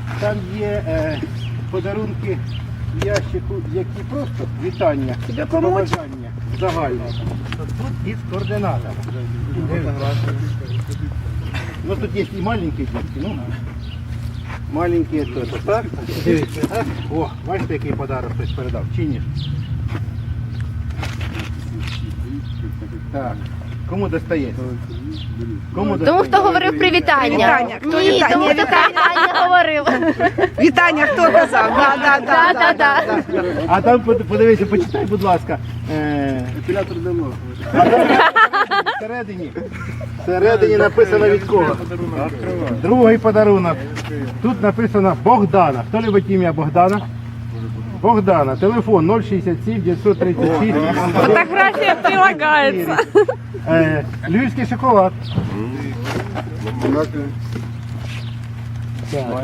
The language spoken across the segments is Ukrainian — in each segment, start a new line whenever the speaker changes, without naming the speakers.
Там є подарунки в ящику, які просто вітання, побажання загальне. Тут із координатами. Ну тут є і маленькі дітки, ну маленькі теж, так? Дивіться, так? О, бачите, який подарок хтось передав, чи ні? Так, кому достається? Кому
Тому хто говорив привітання.
Привітання. Хто
Ні,
вітання?
тому хто привітання говорив.
Вітання, хто казав?
Да.
А там подивися, почитай, будь ласка.
Епілятор давно.
Всередині написано від кого? Другий подарунок. Тут написано Богдана. Хто любить ім'я Богдана? Богдана. Телефон 067 936.
Фотографія прилагається.
Львівський шоколад. Так.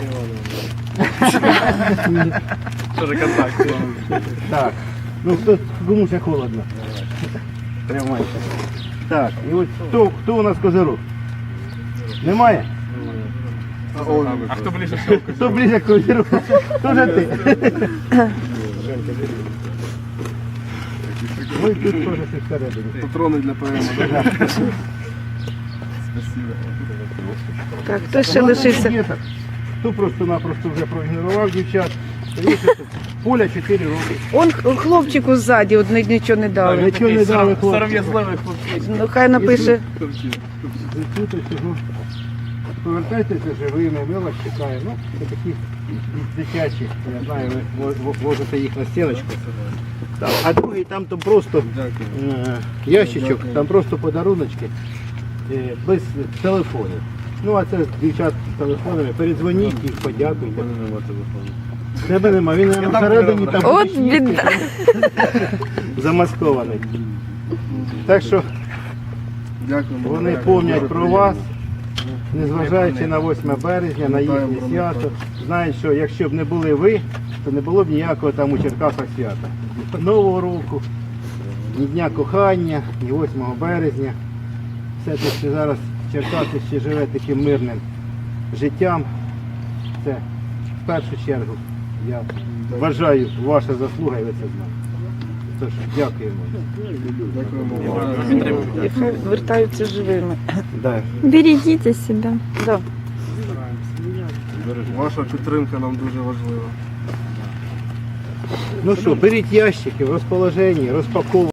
Тоже контакт.
Так. Ну кому ще холодно? Тримайся. Так, і от хто у нас козирог? Немає?
А хто ближче всього?
Хто ближче к козирогу? Хто же ти? Ой, тут теж все всередині.
Патрони для ПМ.
Так, хто ще лишився?
Діток. Хто просто-напросто вже проігнорував дівчат. Поля 4 роки.
Он хлопчику ззаді, от нічого не дали.
Нічого не дали хлопці.
Сором'язливий хлопець.
Ну хай напише.
І тут усього. Повертайтеся живими, ми вас чекаємо. Ну, це такі дитячі, я знаю, ви вложите їх на стіночку. Так. А другий там то просто ящичок, там просто подаруночки без телефонів. Ну а це дівчат з телефонами, передзвоніть їх, подякуйте. Тебе нема, він всередині там
От біда.
замаскований. Так що
Дякуємо.
вони пам'ятають про вас, незважаючи на 8 березня, на їхнє свято. Знають, що якщо б не були ви, то не було б ніякого там у Черкасах свята. Нового року, ні Дня кохання, ні 8 березня. Все те, що зараз Черкаси ще живе таким мирним життям, це в першу чергу, я вважаю, ваша заслуга і ви це знаєте. Тож, дякуємо.
І хай вертаються живими.
Да.
Берегите себя.
Да.
Ваша підтримка нам дуже важлива.
Ну що, беріть ящики в розположенні, розпаковуйте.